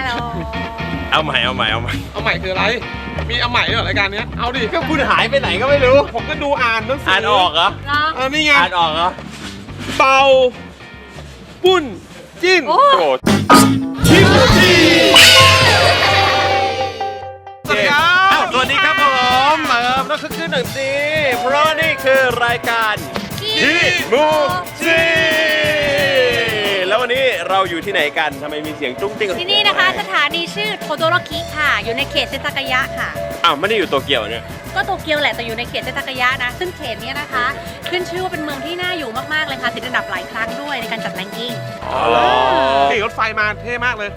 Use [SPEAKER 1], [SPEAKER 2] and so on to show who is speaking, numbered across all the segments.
[SPEAKER 1] เอาใหม่เอาใหม่เอาใหม่
[SPEAKER 2] เอาใหม่คืออะไรมีเอาใหม่ด้วยเหรอรายการเนี้ยเอาดิ
[SPEAKER 1] ก็คุณหายไปไหนก็ไม่รู้
[SPEAKER 2] ผมก็ดูอ่านหนังสื
[SPEAKER 1] อ่านออกเหรอ
[SPEAKER 2] นี่ไง
[SPEAKER 1] อ่านออกเหรอ
[SPEAKER 2] เป่าปุ้นจิ้น
[SPEAKER 1] โอ้โห
[SPEAKER 2] ชิมจีสวัสดีครับ
[SPEAKER 1] อ้าวสวัสดีครับผมต้องคึกคืนหน่อยสิเพราะนี่คือรายการฮิมูจิแล้ววันนี้เราอยู่ที่ไหนกันทำไมมีเสียงจุ้งติ้ง
[SPEAKER 3] ที่นี่นะคะสถานีชื่อโทโดโรคิค่ะ อยู่ในเขตเซนทากายะค่ะ
[SPEAKER 1] อ้าวไม่ได้อยู่โตเกียวเนี่ย
[SPEAKER 3] ก็โตเกียวแหละแต่อยู่ในเขตเซนทากายะนะ ซึ่งเขตนี้นะคะ ขึ้นชื่อว่าเป็นเมืองที่น่าอยู่มากๆเลยค่ะติดอันดับหลายครั้งด้วยในการจัดแรงกิ้ง
[SPEAKER 1] อ๋อเหรอ
[SPEAKER 2] นี่รถไฟมาเท่มากเลย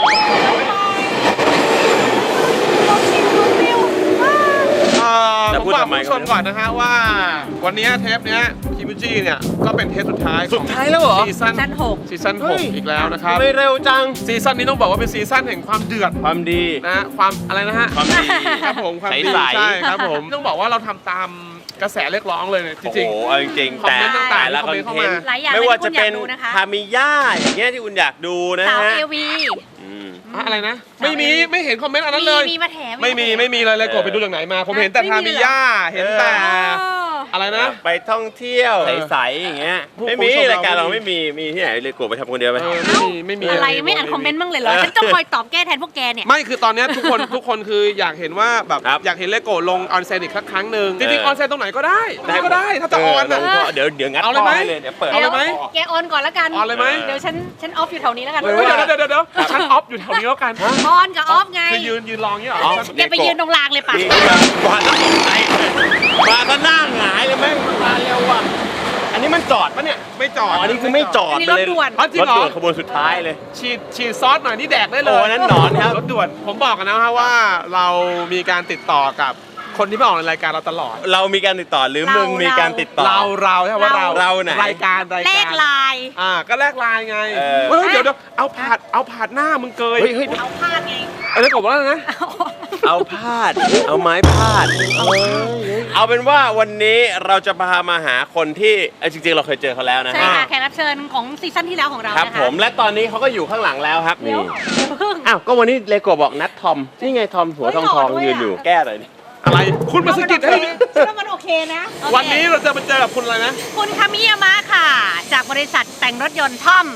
[SPEAKER 2] ผมบอกผู้ชมก่อนนะฮะว่าวันนี้เทปเนี้ยคิมูจิเนี่ยก็เป็นเทปสุดท้าย
[SPEAKER 1] สุดท้ายแล้วเหรอ
[SPEAKER 2] ซีซั่น
[SPEAKER 3] 6
[SPEAKER 2] ซีซั่น
[SPEAKER 1] เฮ้ย
[SPEAKER 2] 6อีกแล้วนะครับ
[SPEAKER 1] ไม่เร็วจัง
[SPEAKER 2] ซีซั่นนี้ต้องบอกว่าเป็นซีซั่นแห่งความเดือด
[SPEAKER 1] ความดี
[SPEAKER 2] นะความอะไรนะฮะ
[SPEAKER 1] ความดี
[SPEAKER 2] ครับผมความดี
[SPEAKER 1] ใสๆ
[SPEAKER 2] ใช่ครับผมต้องบอกว่าเราทำตามกระแสเรียกร้องเลยเนี่ยจ
[SPEAKER 1] โอ้
[SPEAKER 2] ริง
[SPEAKER 1] โหเอาจริงๆ
[SPEAKER 2] คอมเมนต์ต่างๆ
[SPEAKER 1] ละ
[SPEAKER 2] ค
[SPEAKER 1] ค
[SPEAKER 2] อ
[SPEAKER 1] อ
[SPEAKER 2] ม
[SPEAKER 1] น
[SPEAKER 2] เมนต์เข้า
[SPEAKER 1] เท
[SPEAKER 2] มา
[SPEAKER 1] นต์
[SPEAKER 3] หลายอย่าง
[SPEAKER 1] ไม่ว่าจะเป็น
[SPEAKER 3] ที่คุณอยากดูนะคะ
[SPEAKER 1] ทามิย่าอย่างเงี้ยที่คุณอยากดูนะ
[SPEAKER 3] สาว
[SPEAKER 1] ฮะ
[SPEAKER 3] เอวี
[SPEAKER 1] อืม
[SPEAKER 2] อะไรนะไม่เห็นคอมเมนต์อันนั้นเลย
[SPEAKER 3] มีมาแถม
[SPEAKER 2] ไม่มีเลยกดไปดูจากไหนมา ผมเห็นแต่ทามิย่าเห็นแต่อะไรนะ
[SPEAKER 1] ไปท่องเที่ยวใสๆอย่างเงี้ย
[SPEAKER 2] ผู้
[SPEAKER 1] ไม่มี
[SPEAKER 2] ชมเรา
[SPEAKER 1] รายการเราไม่มีที่ไหนเลยกดไปทำคนเดียวไป
[SPEAKER 2] ไม่มี
[SPEAKER 3] อะไรไม่อ่านคอมเมนต์บ้างเลยเหรอฉันต้องคอยตอบแก้แทนพวกแกเนี่ย
[SPEAKER 2] ไม่คือตอนเนี้ยทุกคนคืออยากเห็นว่าแบบ
[SPEAKER 1] ครับ
[SPEAKER 2] อยากเห็นเลโก้ลงออนเซนอีกสักครั้งหนึ่งจริงๆ
[SPEAKER 1] เออ
[SPEAKER 2] ออนเซนตรงไหนก็ได้ก็ได้ถ้าจะออนนะ
[SPEAKER 1] เดี๋ยวงัด
[SPEAKER 2] เอาเลยไหม
[SPEAKER 1] ข้ให้เดี๋ยวเปิด
[SPEAKER 2] เอาเลยไหม
[SPEAKER 3] แกออนก่อนแล้วกัน
[SPEAKER 2] ออนเลยไหม
[SPEAKER 3] เดี๋ยวฉันออฟอยู่แถวนี้แล้วกัน
[SPEAKER 2] เดี๋ยวฉันออฟอยู่แถวนี้แล้วกัน
[SPEAKER 3] ออนกับออฟไง
[SPEAKER 2] คือยืนรออย่างเงี้ยเหรอ
[SPEAKER 3] แกไปยืนตรงรางเลยป่ะ
[SPEAKER 1] นี่มาแล้วใจมาก็หน้าหงายเลยแม่งมาเร็วว่ะอันนี้มันจอดปะเนี่ย
[SPEAKER 2] ไม่จอด
[SPEAKER 1] อ๋อนี่คือไม่จอด
[SPEAKER 3] อันนี้
[SPEAKER 1] ไป
[SPEAKER 3] รถ
[SPEAKER 1] เลย
[SPEAKER 3] ด่วน
[SPEAKER 2] จริง
[SPEAKER 1] รถ
[SPEAKER 2] เหรอ
[SPEAKER 1] ด่วนขบวนสุดท้ายเลย
[SPEAKER 2] ฉีดซอสหน่อยนี่แดกได้เลย
[SPEAKER 1] โอ้นั่นหนอนครับ
[SPEAKER 2] รถด่วนผมบอกกันนะฮะว่าเรามีการติดต่อกับคนที่มาออกในรายการเราตลอด
[SPEAKER 1] เรามีการติดต่อหรือมึงมีการติดต่อ
[SPEAKER 2] เราใช่ไหมว่าเรา
[SPEAKER 1] ไหน
[SPEAKER 2] รายการ
[SPEAKER 3] แลกไลน์
[SPEAKER 2] ก็แลกไลน์ไง
[SPEAKER 1] เออ
[SPEAKER 2] เฮ้ยเดี๋ยวเอาผาดหน้ามึงเกย
[SPEAKER 1] เฮ้ย
[SPEAKER 3] เอาพาดไง
[SPEAKER 2] อะไรกบว่าอะไรนะ
[SPEAKER 1] เอาพาด เอาไม้พาด เอาเป็นว่าวันนี้เราจะพามาหาคนที่จริงๆเราเคยเจอเขาแล้วนะ
[SPEAKER 3] ใช่ค่ะแขกรับเชิญของซีซั่นที่แล้วของเรา
[SPEAKER 1] ครับ
[SPEAKER 3] นะคะ
[SPEAKER 1] ผมและตอนนี้เขาก็อยู่ข้างหลังแล้วครับ
[SPEAKER 3] เดี๋ยว
[SPEAKER 1] นี่
[SPEAKER 3] เดี๋ยวเพิ่ง
[SPEAKER 1] อ้าวก็วันนี้เลโก้บอกนัดทอมนี่ไงทอมหัวทอง
[SPEAKER 3] เฮ้ยหล่อด้วย
[SPEAKER 1] ยืนอยู่
[SPEAKER 3] อะ
[SPEAKER 1] แก้เลยดิ
[SPEAKER 2] อะไรคุณมาสะกิดให้
[SPEAKER 3] ฉันว่ามันโอเคนะโอเค
[SPEAKER 2] วันนี้เราจะมาเจอกับคุณอะไรนะ
[SPEAKER 3] คุณคามิยามะค่ะ จากบริษัทแต่งรถยนต์ทอม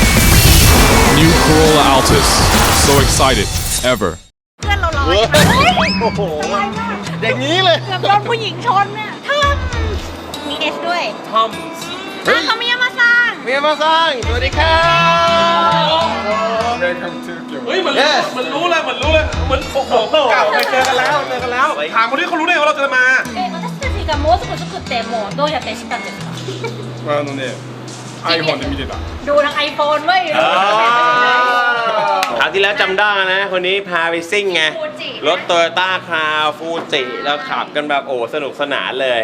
[SPEAKER 4] New Corolla Altis. So excited. Ever.
[SPEAKER 3] เพื่อนเราลอยมาเฮ้ย
[SPEAKER 1] โอ้โหอย่างนี้เลย
[SPEAKER 3] เกือบโดนผู้หญิงชนเนี่ยทอมมีเอสด้วย
[SPEAKER 2] ทอม
[SPEAKER 3] คามิยามะซัง
[SPEAKER 1] เมียมาสร้างสวัสดีครับ
[SPEAKER 2] เฮ้ยมันรู้เลยเหมือนโอ้โหเก่าเคยเจอกันแล้วถามคนที่เขารู้ได้ว่าเราจะมา
[SPEAKER 3] 私たちがもうすぐ作ってもうどうやって知ったんですか
[SPEAKER 4] iPhone で見てた。
[SPEAKER 3] ดูทางไอโฟนเว้ย
[SPEAKER 1] คราวที่แล้วจำได้นะ คนนี้พาไปซิ่งไง
[SPEAKER 3] ฟูจิ
[SPEAKER 1] รถโตโยต้าคาร์ฟูจิแล้วขับกันแบบโอ้สนุกสนานเลย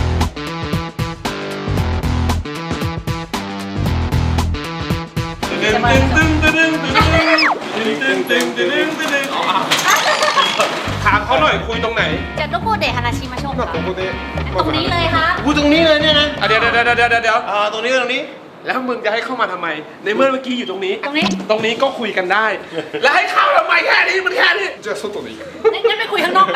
[SPEAKER 2] ถามเขาหน่อยคุยตรงไหน
[SPEAKER 3] จะどこで話しましょうかตรงนี้เลยค่ะ
[SPEAKER 1] พูดตรงนี้เลยเนี่ยนะ
[SPEAKER 2] เดี๋ยว
[SPEAKER 1] ตรงนี้
[SPEAKER 2] แล้วมึงจะให้เข้ามาทำไม ในเมื่อเมื่อกี้อยู่ตรงนี้
[SPEAKER 3] ตรงนี้
[SPEAKER 2] ตรงนี้ก็คุยกันได้ แล้วให้เข้าทำไมแค่นี้มันแค่นี้
[SPEAKER 3] งั้นไปคุยข้างนอกไป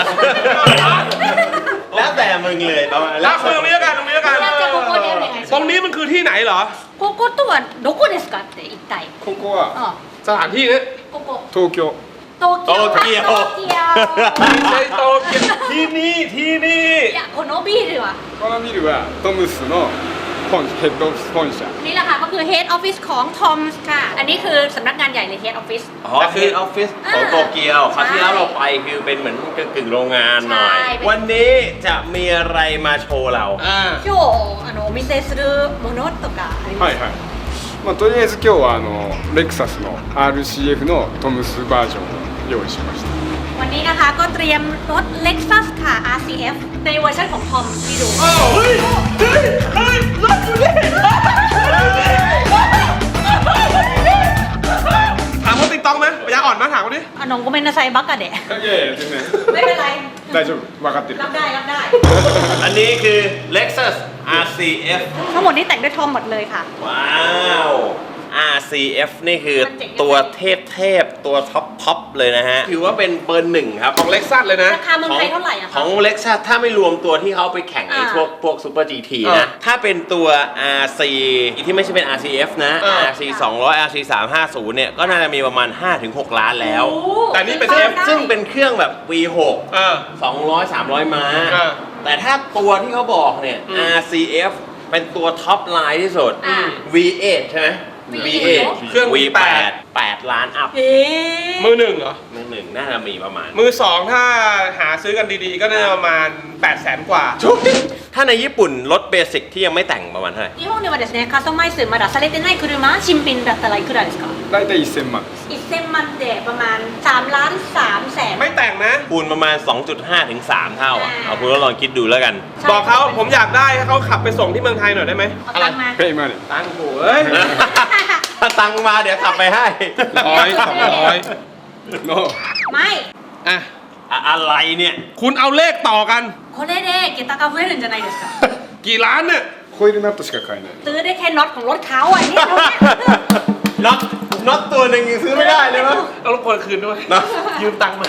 [SPEAKER 1] แล้วแต่มึงเลยประมาณ
[SPEAKER 2] แล้วคุยตรงนี้กันตรงนี้กัน
[SPEAKER 3] จะโกโก้เดียวยังไง
[SPEAKER 2] ตรงนี้มันคือที่ไหนเหรอ
[SPEAKER 3] โกโก้ตัวどこですかって一体
[SPEAKER 4] ここは
[SPEAKER 3] อ๋อ
[SPEAKER 2] สถานที่นี้
[SPEAKER 3] โกโก้
[SPEAKER 4] 東京。
[SPEAKER 3] โตเกียว
[SPEAKER 1] โตเกียว
[SPEAKER 3] โตเกียว
[SPEAKER 2] ไม่ใช่โตเกียวที่นี่
[SPEAKER 3] いやこのビールは
[SPEAKER 4] このビルはトムスのヘッドオフィス本社。
[SPEAKER 3] นี่แหละค่ะก็คือ Head Office ของ Tom's ค่ะ อันนี้คือสำนักงานใหญ่เลย Head Office
[SPEAKER 1] อ๋อคือออฟฟิศของโตเกียวคราวที่แล้วเราไปคือเป็นเหมือนกึ่งโรงงานหน่อย
[SPEAKER 3] ใช่
[SPEAKER 1] วันนี้จะมีอะไรมาโชว์เรา
[SPEAKER 3] 今日お見せするものとかあります
[SPEAKER 4] はいはい。まあとりあえず今日はレクサスの RCF のトムスバージョンを用意しました。
[SPEAKER 3] วันนี้นะคะก็เตรียมรถ Lexus ค่ะ RCF ในเวอร์ชันของ Tom ที่ดู
[SPEAKER 2] เฮ้ยรถอยู่นี่ถามเขาติ๊กต้องไหมปัญญาอ่อนไหมถามเขาดิ
[SPEAKER 3] あのごめんなさいバカで
[SPEAKER 4] いやいや全然
[SPEAKER 3] ไม่เป็นไร
[SPEAKER 4] 大丈夫分かってる。
[SPEAKER 3] รับได้รับได้
[SPEAKER 1] อันนี้คือ Lexus RCF
[SPEAKER 3] ทั้งหมดนี้แต่งด้วยทอมหมดเลยค่ะ
[SPEAKER 1] ว้าว RCF นี่คือตัวเทพตัวท็อปเลยนะฮะถือว่าเป็นเบอร์หนึ่งครับ
[SPEAKER 2] ของเล็กซัสเลยนะ
[SPEAKER 3] ราคาเมืองไทยเท่าไหร่อะ
[SPEAKER 1] ข
[SPEAKER 3] คะ
[SPEAKER 1] องเล็กซัสถ้าไม่รวมตัวที่เขาไปแข่งไอ้พวกซูเปอร์ GT นะ ถ้าเป็นตัว RC ที่ไม่ใช่เป็น RCF นะ RC 200 RC 350เนี่ยก็น่าจะมีประมาณ 5-6 ล้านแล้ว
[SPEAKER 2] แต่นี่เป็น
[SPEAKER 1] ซึ่งเป็นเครื่องแบบ V6 200-300 ม้า แต่ถ้าตัวที่เขาบอกเนี่ย RCF เป็นตัวท็อปไลน์ที่สุด V8 ใช่ไหม V8
[SPEAKER 2] เครื่อง
[SPEAKER 1] V8 8 ล้านอัพ
[SPEAKER 2] มือหนึ่งเหรอ
[SPEAKER 1] มือหนึ่งน่าจะมีประมาณ
[SPEAKER 2] มือสองถ้าหาซื้อกันดีๆ ก็น่าจะประมาณ 800,000 กว่า
[SPEAKER 1] ถ้าในญี่ปุ่นรถเบสิกที่ยังไม่แต่งประมาณเท่าไหร่
[SPEAKER 3] 日本ではですねカスタマイズまだされてない車新品だったらいくらですか
[SPEAKER 4] 大体1000万です
[SPEAKER 3] 1000万でประมาณ3ล้าน3แสน
[SPEAKER 2] ไม่แต่งนะ
[SPEAKER 1] คูณประมาณ 2.5 ถึง 3 เท่าอ่ะ เอาคุณก็ลองคิดดูแล้วกัน
[SPEAKER 2] บอกเขาผมอยากได้ให้เขาขับไปส่งที่เมืองไทยหน่อยได้ไหม
[SPEAKER 3] เอาตังค์มา
[SPEAKER 4] ペイマネー
[SPEAKER 2] ตังค์โหเอ้ย
[SPEAKER 1] ถ้าตังค์มาเดี๋ยวขับไปให้
[SPEAKER 2] 100-200
[SPEAKER 4] の
[SPEAKER 3] ไม่
[SPEAKER 2] อ่ะ
[SPEAKER 1] อะไรเนี่ย
[SPEAKER 2] คุณเอาเลขต่อกัน
[SPEAKER 3] これで桁が増えるんじゃないですか
[SPEAKER 2] กี่ล้านเนี่ย
[SPEAKER 4] ホイールナットしか買えない
[SPEAKER 3] ซื้อได้แค่น็อตของรถเขาอ่ะนี่เราเนี่ย
[SPEAKER 1] น็อตตัวหนึ่งยังซื้อไม่ได้เลยมั้ง
[SPEAKER 2] เรารบกวนคืนด้วย
[SPEAKER 1] นะ
[SPEAKER 2] ยืมตังค์มา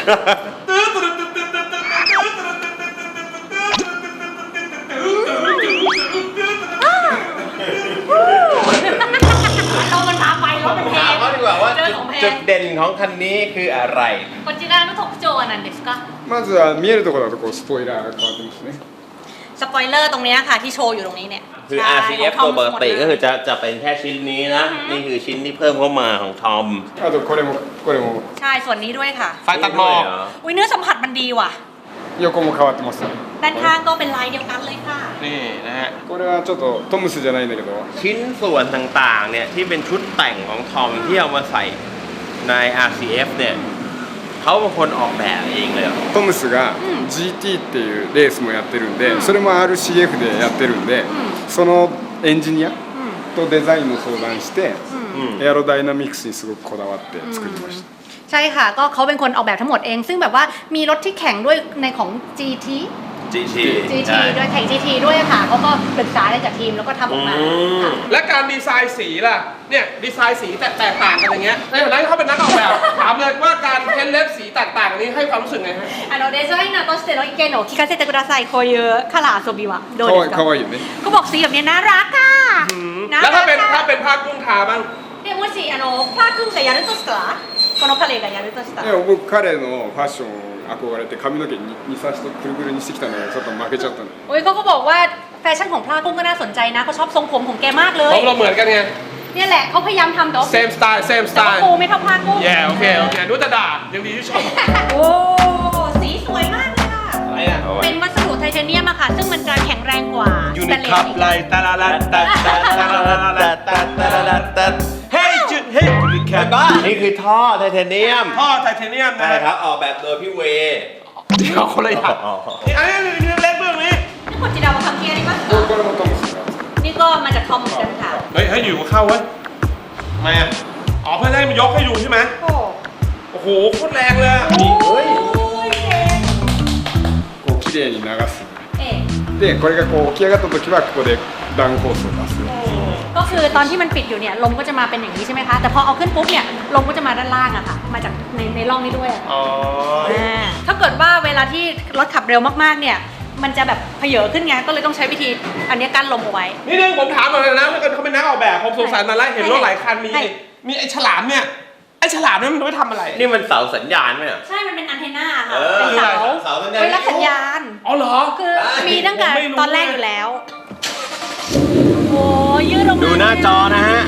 [SPEAKER 3] เรามันพาไปรถมันแพ
[SPEAKER 1] ถาม
[SPEAKER 3] ง
[SPEAKER 1] เขาดีกว่าว่า
[SPEAKER 3] เจอของแพ
[SPEAKER 1] จุ
[SPEAKER 3] ง
[SPEAKER 1] ดเด่นของคันนี้คืออะไร
[SPEAKER 3] こちらの特徴は何ですか
[SPEAKER 4] まずは見えるところだとこうスポイラーが変わってますね
[SPEAKER 3] สปอยเลอร์ตรงเนี้ยค่ะที่โชว์อยู่ตรงนี้เนี่ย
[SPEAKER 1] คือ
[SPEAKER 3] ใช่
[SPEAKER 1] RCF
[SPEAKER 3] ของ
[SPEAKER 1] ตัวปกติ
[SPEAKER 3] หมดเลย
[SPEAKER 1] ก็คือจะเป็นแค่ชิ้นนี้นะ นี่คือชิ้นที่เพิ่มเข้ามาของทอม
[SPEAKER 4] あとこれも
[SPEAKER 3] ใช่ส่วนนี้ด้วยค่ะ
[SPEAKER 2] ไฟตัดหมอก
[SPEAKER 3] อุ้ยเนื้อสัมผัสมันดีว่ะ
[SPEAKER 4] 横も変わってますね
[SPEAKER 3] ด้านข้างก็เป็นลายเดียวกันเลยค่ะ
[SPEAKER 2] นี่นะฮะ
[SPEAKER 4] これはちょっとトムスじゃないんだけど
[SPEAKER 1] ชิ้นส่วนต่างๆเนี่ยที่เป็นชุดแต่งของทอมที่เอามาใส่ใน RCF เนี่ยเขาเป็นคนออกแบบเองเลยเหรอ
[SPEAKER 4] トムスが GT っていうレースもやってるんでそれも RCF でやってるんでそのエンジニアとデザインの相談してエアロダイナミクスにすごくこだわって作りました
[SPEAKER 3] ใช่ค่ะก็เขาเป็นคนออกแบบทั้งหมดเอง ซึ่งแบบว่ามีรถที่แข่งด้วยในของ GT ด้วยแข่ง GT ด้วยค่ะเขาก็ปรึกษาอะไรกับทีมแล้วก็ทำออกมาค่ะ
[SPEAKER 2] และการดีไซน์สีล่ะ เนี่ยดีไซน์สีแตกต่างกันอย่างเงี้ยในฐานะที่เขาเป็นนักออกแบบ ถามเลยว่าการเพ้นเล็บสีแตกต่างนี้ให้ความรู้สึกไงฮะ
[SPEAKER 3] デザイナーとしての意見を聞かせてくださいこういうカラー遊びはどうですか
[SPEAKER 4] かわいいよね
[SPEAKER 3] เขาบอกสีแบบนี้น่ารักค่ะน่า
[SPEAKER 2] แล้ว
[SPEAKER 3] รั
[SPEAKER 2] ถ้าก เป็น
[SPEAKER 3] ค่ะ
[SPEAKER 2] ผ้ากุ้งทาบ้าง
[SPEAKER 3] でもしパー君がやるとしたらこの彼がやるとしたら
[SPEAKER 4] いや僕彼のファッション憧れて髪の毛にさしとくるくるにしてきたのでちょっと負けちゃったの
[SPEAKER 3] โอ้ยเขาก็บอกว่าแฟชั่นของพลากุ้งก็น่าสนใจนะเขาชอบทรงผมของแกมากเล
[SPEAKER 2] เพ
[SPEAKER 3] ย
[SPEAKER 2] ราะเราเหมือนกันไง
[SPEAKER 3] เนี่ยแหละเขาพยายามทำแต่ว่า
[SPEAKER 2] same style same
[SPEAKER 3] แต่ว่า
[SPEAKER 2] style
[SPEAKER 3] ปูไม่เท่าพลากุ้ง
[SPEAKER 2] แย่โอเคดูแต่ด่ายังดีที่ชม
[SPEAKER 3] โอ้สีสวยมากเลยค่ะ
[SPEAKER 2] อะไรอ่ะ
[SPEAKER 3] เป็นวัสดุไทเทเนียมอะค่ะ ซึ่งมันจะแข็งแรงกว่า
[SPEAKER 2] ยูนิคับไลตาลาลาตาตาตาลาลาตาตาตาลาตาเฮ้ยจุดเฮ้ยยูนิคับ
[SPEAKER 1] นี่คือท่อไทเทเนียม
[SPEAKER 2] ท่อไทเทเนียมนะ
[SPEAKER 1] ใช่ครับออกแบบโดยพี่เว
[SPEAKER 2] เดี๋ยวคนละอย่างนี่อันนี้เล็กเบื้องนี้
[SPEAKER 3] นี่คนจีดาวมาทำเกียร์นี่ปะ
[SPEAKER 4] これもトムスが
[SPEAKER 3] นี่ก็มาจากทอมเหมือนกันค่ะ
[SPEAKER 2] เฮ้ยอยู่เข้าเว้ยทำไมอ่ะอ๋อเพื่อให้มันยกให้ดูใช่ไหม
[SPEAKER 3] โอ้
[SPEAKER 2] โอ้โหโคตรแรงเลย
[SPEAKER 3] โอ้ยเก่ง
[SPEAKER 4] こう綺麗に流す
[SPEAKER 3] เอ๊ะ
[SPEAKER 4] でこれがこう起き上がった時はここでダウンフォースを出す
[SPEAKER 3] ก็คือตอนที่มันปิดอยู่เนี่ยลมก็จะมาเป็นอย่างนี้ใช่ไหมคะ แต่พอเอาขึ้นปุ๊บเนี่ยลมก็จะมาด้านล่างอะค่ะ มาจากในร่องนี้ด้วยอะ
[SPEAKER 2] อ๋อ
[SPEAKER 3] ถ้าเกิดว่าเวลาที่รถขับเร็วมากๆเนี่ยมันจะแบบเผยขึ้นไงก็เลยต้องใช้วิธีอันนี้กั้นลมเอาไว้
[SPEAKER 2] นี่นึงผมถามหน่อยนะถ้าเกิดเขาเป็นนักออกแบบผมสงสัยมาแล้วเห็นรถหลายคันมี
[SPEAKER 3] ใช่
[SPEAKER 2] ไอ้ฉลามเนี่ยไอ้ฉลามเนี่ยมันไว้ทำอะไร
[SPEAKER 1] นี่มันเสาสัญญาณไหมอ่ะ
[SPEAKER 3] ใช่มันเป็นอันเทน่าค่ะ
[SPEAKER 1] เออ
[SPEAKER 3] เป็นเสา
[SPEAKER 1] เสาสัญญาณ
[SPEAKER 3] ไว้รับสัญญาณ
[SPEAKER 2] อ๋อเหรอ
[SPEAKER 3] คือมีตั้งแต่
[SPEAKER 2] ผมไม่รู้
[SPEAKER 3] ตอนแรกอยู่แล้วโอ้ยืดลงมา
[SPEAKER 1] ดูหน้าจอนะฮะ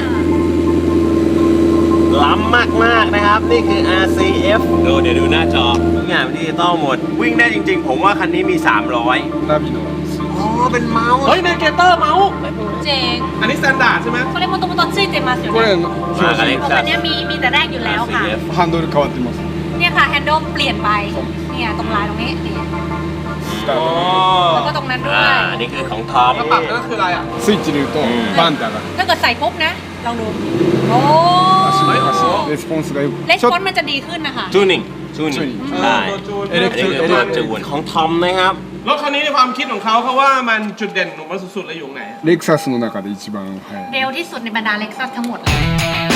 [SPEAKER 1] ล้ำมากๆนะครับ นี่คือ RCF เดี๋ยวดูหน้าจอทุกอย่างดิจิตอลหมด วิ่งได้จริงๆ ผมว่าคันนี้มี 300
[SPEAKER 4] ナビのスイッチ
[SPEAKER 1] อ๋อ เป็นเมาส์
[SPEAKER 2] เฮ้ยเนเกเตอร์เมาส์
[SPEAKER 3] เจ๋ง
[SPEAKER 2] อันนี้สแตนดาร์ดใช่ไหม
[SPEAKER 3] これもともとついてますよ
[SPEAKER 4] これ
[SPEAKER 3] ね
[SPEAKER 4] の
[SPEAKER 1] มากัน
[SPEAKER 4] 標
[SPEAKER 1] เล็ก
[SPEAKER 3] ของ
[SPEAKER 1] ซั
[SPEAKER 3] อั
[SPEAKER 1] ส
[SPEAKER 3] นเนี้ยมีแต่แรกอยู่แล้วค่ะ
[SPEAKER 1] RCF
[SPEAKER 4] 準ハンドル変わってます
[SPEAKER 3] เนี่ยค่ะแฮนด์ลเปลี่ยนไปเนี่ยตรงลายตรงนี้นี่
[SPEAKER 4] スター
[SPEAKER 3] แล้วก็ตรงนั้นด้วย
[SPEAKER 1] อันนี้คือของทอม
[SPEAKER 2] แล้วปรับนั่นคืออะไรอ่ะ
[SPEAKER 4] トスイッチ入れるとバンって上がる
[SPEAKER 3] ถ้าเกิดใส่ปุ๊บนะ ลองดู โอ้
[SPEAKER 4] レスポンスがよく
[SPEAKER 3] เลส
[SPEAKER 4] ちょっ
[SPEAKER 3] ปอนมันจะดีขึ้นนะคะ
[SPEAKER 1] จูนิ่งใช่
[SPEAKER 2] ตัวจูน
[SPEAKER 1] อันนี้คือตัวจูนของทอมนะครับ
[SPEAKER 2] รถคันนี้ในความคิดของเขาว่ามันจุดเด่นของมันสุดๆเลยอยู่ไหน
[SPEAKER 4] レクサスの中で一番速い
[SPEAKER 3] เร็วที่สุดในบรรดาเล็กซัสทั้งหมดเลย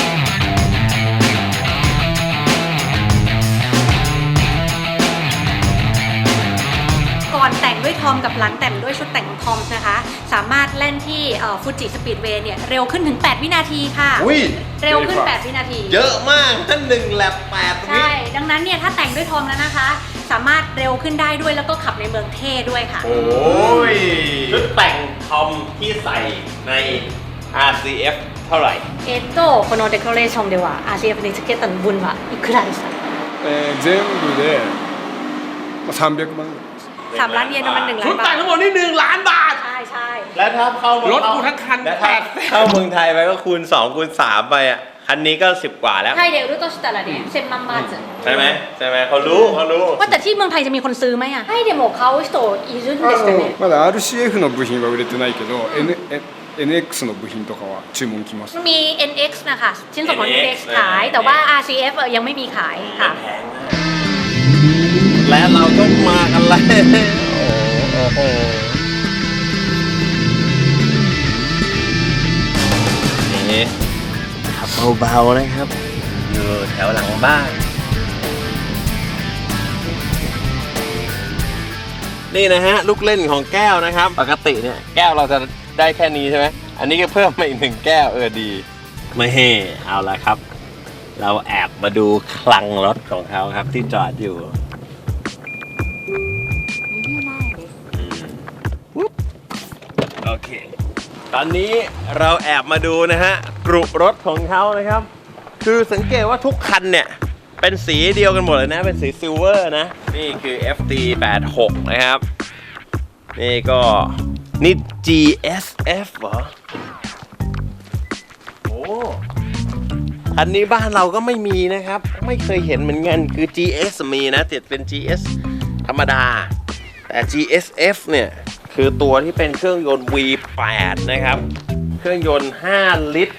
[SPEAKER 3] อมกับหลังแต่งด้วยชุดแต่งของทอมนะคะสามารถเล่นที่ฟูจิสปีดเวย์เนี่ยเร็วขึ้นถึง8 วินาทีค่ะ
[SPEAKER 1] อุ้ย
[SPEAKER 3] เร็วขึ้น8 วินาที
[SPEAKER 1] เยอะมากนั่น1แลบ8ตรงนี้
[SPEAKER 3] ใช่ดังนั้นเนี่ยถ้าแต่งด้วยทอมแล้วนะคะสามารถเร็วขึ้นได้ด้วยแล้วก็ขับในเมืองเท่ด้วยค่ะ
[SPEAKER 1] โอ้ยชุดแต่งทอมที่ใส่ใน RCF เท่าไหร่
[SPEAKER 3] このデコレーションでは RCF につけた分はいくらでした
[SPEAKER 4] 全部で300万ぐらいです
[SPEAKER 3] 3 ล้านเยนประมาณ1 ล้า
[SPEAKER 2] ชุด
[SPEAKER 3] นบา
[SPEAKER 2] แต่
[SPEAKER 3] ท
[SPEAKER 2] งทั้งหมดนี่1 ล้านบาท
[SPEAKER 3] ใช่ใช่
[SPEAKER 1] แล้วถ้าเข้าร
[SPEAKER 2] ถกูทั้งคัน
[SPEAKER 1] แล้วถ้าเข้าเมืองไทยไปก็คูณ2คูณ3ไปอ่ะคันนี้ก็10 กว่าแล้ว
[SPEAKER 3] ไทยเดี๋ยวรู้ตัวしたらね1000万バーツ
[SPEAKER 1] ใช่ไหมเขารู้
[SPEAKER 3] ว่าแต่ที่เมืองไทยจะมีคนซื้อไหมอ่ะไทยเดี๋ยว買う人いるんですかね
[SPEAKER 4] まだ RCF の部品は売れてないけど、NX の部品とかは注文来ます。
[SPEAKER 3] มี NX นะคะชิ้นส่วนของ NX ขายแต่ว่า RCF ยังไม่มีขายค่ะ
[SPEAKER 1] และเราก็มากันแล้วโอ้โหนี่ขับเบาๆนะครับอยู่แถวหลังบ้านนี่นะฮะลูกเล่นของแก้วนะครับปกติเนี่ยแก้วเราจะได้แค่นี้ใช่ไหมอันนี้ก็เพิ่มมาอีก1 แก้วดีไม่เฮ่เอาละครับเราแอบมาดูคลังรถของเขาครับที่จอดอยู่โอเคตอนนี้เราแอบมาดูนะฮะกรุรถของเขานะครับคือสังเกตว่าทุกคันเนี่ยเป็นสีเดียวกันหมดเลยนะเป็นสีซิลเวอร์นะนี่คือ FT86 นะครับนี่ก็นี่ GSF เหรอโอ้คันนี้บ้านเราก็ไม่มีนะครับไม่เคยเห็นเหมือนกันคือ GS มีนะแต่เป็น GS ธรรมดาแต่ GSF เนี่ยคือตัวที่เป็นเครื่องยนต์ V8 นะครับเครื่องยนต์5 ลิตร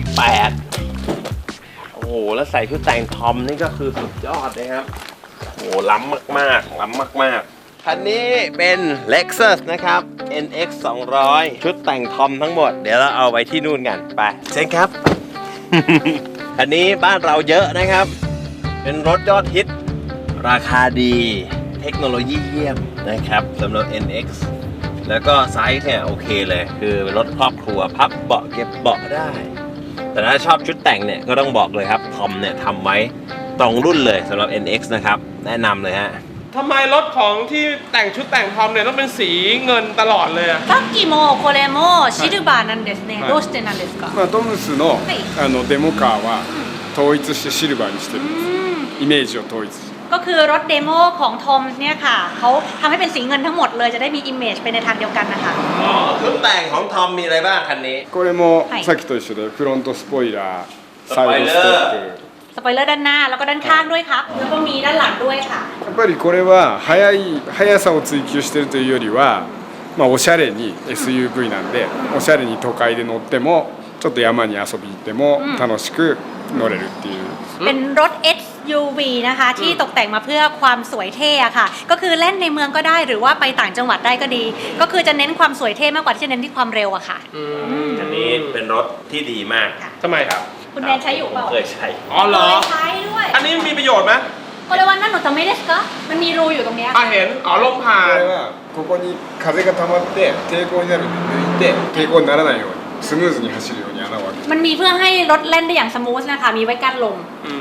[SPEAKER 1] V8 โอ้โหแล้วใส่ชุดแต่งทอมนี่ก็คือสุดยอดนะครับโอ้โหล้ำมากๆล้ำมากๆคันนี้เป็น Lexus นะครับ NX 200ชุดแต่งทอมทั้งหมดเดี๋ยวเราเอาไว้ที่นู่นกันไปเชิญครับ คันนี้บ้านเราเยอะนะครับเป็นรถยอดฮิตราคาดีเทคโนโลยีเยี่ยมนะครับสำหรับ NX แล้วก็ไซส์เนี่ยโอเคเลยคือเป็นรถครอบครัวพับเบาะเก็บเบาะได้แต่ถ้าชอบชุดแต่งเนี่ยก็ต้องบอกเลยครับทอมเนี่ยทำไว้ตรงรุ่นเลยสำหรับ NX นะครับแนะนำเลยฮะ
[SPEAKER 2] ทำไมรถของที่แต่งชุดแต่งทอมเนี่ยต้องเป็นสีเงินตลอดเลยอะ
[SPEAKER 3] さっきもこれもシルバーなんですねどうしてなんですか
[SPEAKER 4] トムスのデモカーは統一してシルバーにしてるんですイメージを統一して
[SPEAKER 3] ก็คือรถเดโมของทอมเนี่ยค่ะเขาทำให้เป็นสีเงินทั้งหมดเลยจะได้มีอิมเมจไปในทางเดียวกันนะคะ
[SPEAKER 1] ชุดแต่งของทอมมีอะไรบ้างคันนี้
[SPEAKER 4] これもさっきと一緒でフロントスポイラーサイドステップ
[SPEAKER 3] สปอยเลอร์ด้านหน้าแล้วก็ด้านข้างด้วยครับแล้วก็มีด้านหลังด้วยค่ะ
[SPEAKER 4] やっぱりこれは速さを追求してるというよりはおしゃれに SUV なんでおしゃれに都会で乗ってもちょっと山に遊びに行っても楽しく乗れるっていう
[SPEAKER 3] เป็นรถ SUV นะคะที่ตกแต่งมาเพื่อความสวยเท่ค่ะก็คือเล่นในเมืองก็ได้หรือว่าไปต่างจังหวัดได้ก็ดีก็คือจะเน้นความสวยเท่มากกว่าที่จะเน้นที่ความเร็วอะค่ะ
[SPEAKER 1] อันนี้เป็นรถที่ดีมาก
[SPEAKER 2] ทำไมครับ
[SPEAKER 3] คุณแนนใช้อยู่เปล่า
[SPEAKER 1] เคยใช้
[SPEAKER 2] อ๋อเหรอ
[SPEAKER 3] ใช้ด้วย
[SPEAKER 2] อันนี้มีประโยชน์ไหม
[SPEAKER 3] โอเลวันนั่นหนูจะไม่ได้ก็มันมีรูอยู่ตรงนี้
[SPEAKER 2] เห็นอ๋อลมผ่าน
[SPEAKER 4] ここに風が溜まって抵抗になるんで抜いて抵抗にならないようにスムーズに走るように穴を開けて
[SPEAKER 3] มันมีเพื่อให้รถเล่นได้อย่างสมูทนะคะมีไว้กั้นลม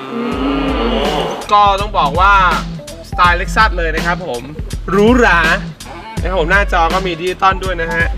[SPEAKER 2] ก็ต้องบอกว่าสไตล์เล็กซัสเลยนะครับผมหรูหรานะครับผมหน้าจอก็มีดิจิตอลด้วยนะฮะ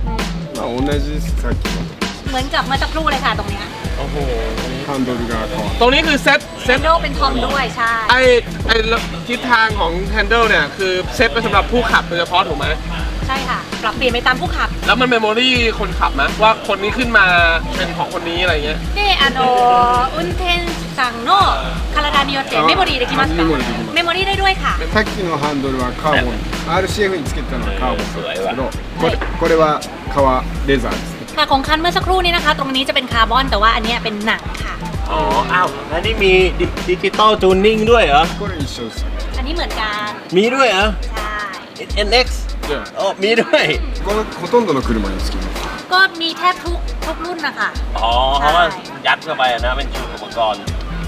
[SPEAKER 3] เหมือนกับเมื่อสักครู่เลยค่ะตรงนี้
[SPEAKER 2] โอ้โห
[SPEAKER 4] ハンドルが変わ
[SPEAKER 2] ตรงนี้คือเซ็ต
[SPEAKER 3] โดเป็นทอมด้วยใช่
[SPEAKER 2] ไอทิศทางของแฮนเดิลเนี่ยคือเซ็ตไปสำหรับผู้ขับโดยเฉพาะถูกไหม
[SPEAKER 3] ใช่ค่ะปรับเปลี่ยนไปตามผู้ขับ
[SPEAKER 2] แล้วมันเมมโมรี่คนขับไหมว่าคนนี้ขึ้นมาเป็นของคนนี้อะไรเงี้ย
[SPEAKER 3] 運転さんの体によってメモリーできますかメモリーได้ด้วยค่ะ
[SPEAKER 4] さっきのハンドルはカーボン RCF につけてたのはカーボンなんですけどこれは革レザーです
[SPEAKER 3] ค่ะของคันเมื่อสักครู่นี้นะคะตรงนี้จะเป็นคาร์บอนแต่ว่าอันนี้เป็นหนังค่ะ
[SPEAKER 1] อ๋ออ้าวอันนี้มีดิจิตอลจูนนิ่งด้วยเหรอ
[SPEAKER 3] อันนี้เหมือนกัน
[SPEAKER 1] มีด้วยเหรอ
[SPEAKER 3] ใช่
[SPEAKER 1] NX อ๋อมีด้วย
[SPEAKER 4] ほとんどの車につきます
[SPEAKER 3] ก็มีแทบทุกรุ่นนะคะ
[SPEAKER 1] อ๋อเพราะว่ายัดเข้าไปนะเป็นชุดอุปกรณ์
[SPEAKER 2] ผ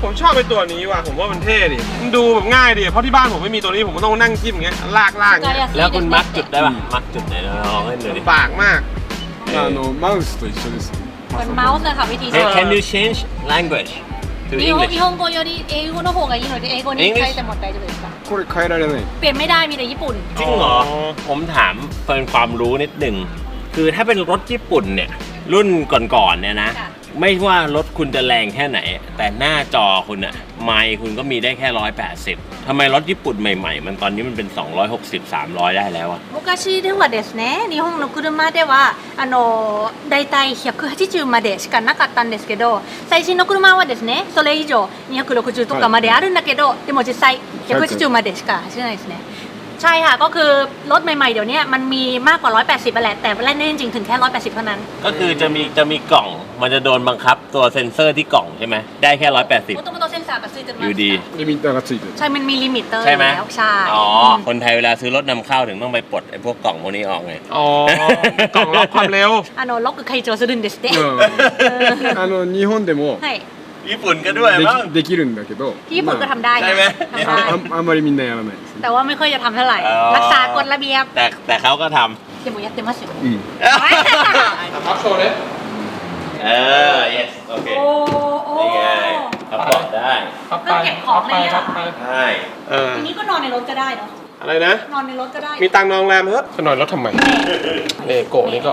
[SPEAKER 2] ผมชอบไอ้ตัวนี้ว่ะผมว่ามันเท่ดิมันดูแบบง่ายดิเพราะที่บ้านผมไม่มีตัวนี้ผมก็ต้องนั่งจิ้มอย่างเงี้ยลากอย่างเงี้ย
[SPEAKER 1] แล้วคุณมัดจุดได้ป่ะมัดจุดไหนลองให้หน่อยดิ
[SPEAKER 2] ปากมาก
[SPEAKER 4] マウスと一緒ですよね
[SPEAKER 3] เหมือนเมาส์เลยค่ะวิธีใช้
[SPEAKER 1] Can you change language to
[SPEAKER 3] 日本
[SPEAKER 1] English
[SPEAKER 3] 日本語より英語の方がいいので英語に変えても大丈夫ですか
[SPEAKER 4] これ変えられない
[SPEAKER 3] เปลี่ยนไม่ได้มีแต่ญี่ปุ่น
[SPEAKER 1] จริงเหรอ ผมถามเป็นความรู้นิดหนึ่ง คือถ้าเป็นรถญี่ปุ่นเนี่ย รุ่นก่อนๆเนี่ยนะ
[SPEAKER 3] ค่ะ
[SPEAKER 1] ไม่ว่ารถคุณจะแรงแค่ไหน แต่หน้าจอคุณอะไมค์คุณก็มีได้แค่180ทำไมรถญี่ปุ่นใหม่ๆ มันตอนนี้มันเป็น260 300ได้แล้วอะ
[SPEAKER 3] 昔ではですね日本の車ではだいたい180までしかなかったんですけど最新の車はですねそれ以上260とかまであるんだけど、でも実際180までしか走れないですねใช่ค่ะก็คือรถใหม่ๆเดี๋ยวนี้มันมีมากกว่า180ไปแหละแต่เล่นได้จริงๆถึงแค่180เท่านั้น
[SPEAKER 1] ก็คือจะมีกล่อง มันจะโดนบังคับตัวเซ็นเซอร์ที่กล่องใช่ไหม ได้แค่180
[SPEAKER 3] もともとセンサーがついてます
[SPEAKER 1] อยู่ดี
[SPEAKER 4] リミッターがついてる
[SPEAKER 3] ใช่มันมีลิมิตเตอร์
[SPEAKER 1] ใช่ไหม
[SPEAKER 3] แล้วใช่
[SPEAKER 1] อ๋อ
[SPEAKER 3] ม
[SPEAKER 1] คนไทยเวลาซื้อรถนำเข้าถึงต้องไปปลดไอ้พวกกล่องพวกนี้ออกไง
[SPEAKER 2] อ๋อกล่องล็อกความเร็ว
[SPEAKER 3] ロック解除するんですって
[SPEAKER 4] 日本でも
[SPEAKER 3] はい
[SPEAKER 1] ญี่ปุ่นก็ด้วยมั้ง
[SPEAKER 4] できるんだけど
[SPEAKER 3] ที่ญี่ปุ่นก็ทำได้
[SPEAKER 1] ใช่ไหม
[SPEAKER 3] ทำได้
[SPEAKER 4] あんまりみんなやらないですね
[SPEAKER 3] แต่ว่าไม่ค่อยจะทำเท่าไหร่
[SPEAKER 1] อ๋อ
[SPEAKER 3] รักษากฎระเบียบ
[SPEAKER 1] แต่เขาก็ท
[SPEAKER 3] でもやってますよ
[SPEAKER 4] うん
[SPEAKER 2] พับโชว์เลย
[SPEAKER 1] ำyes โอเค
[SPEAKER 3] โอ้โอ้
[SPEAKER 1] นี่ไงเขาบอกได้
[SPEAKER 2] พับ
[SPEAKER 3] เครื่องเก็บของเลยอะ
[SPEAKER 2] พับไป
[SPEAKER 1] ใช่
[SPEAKER 3] ทีนี้ก็นอนในรถก็ได้เนาะ
[SPEAKER 2] อะไรนะ
[SPEAKER 3] นอนในรถก็ได้
[SPEAKER 2] มีตังค์นองแรมเฮ้ยจะนอนรถทำไมเลโก้นี่ก็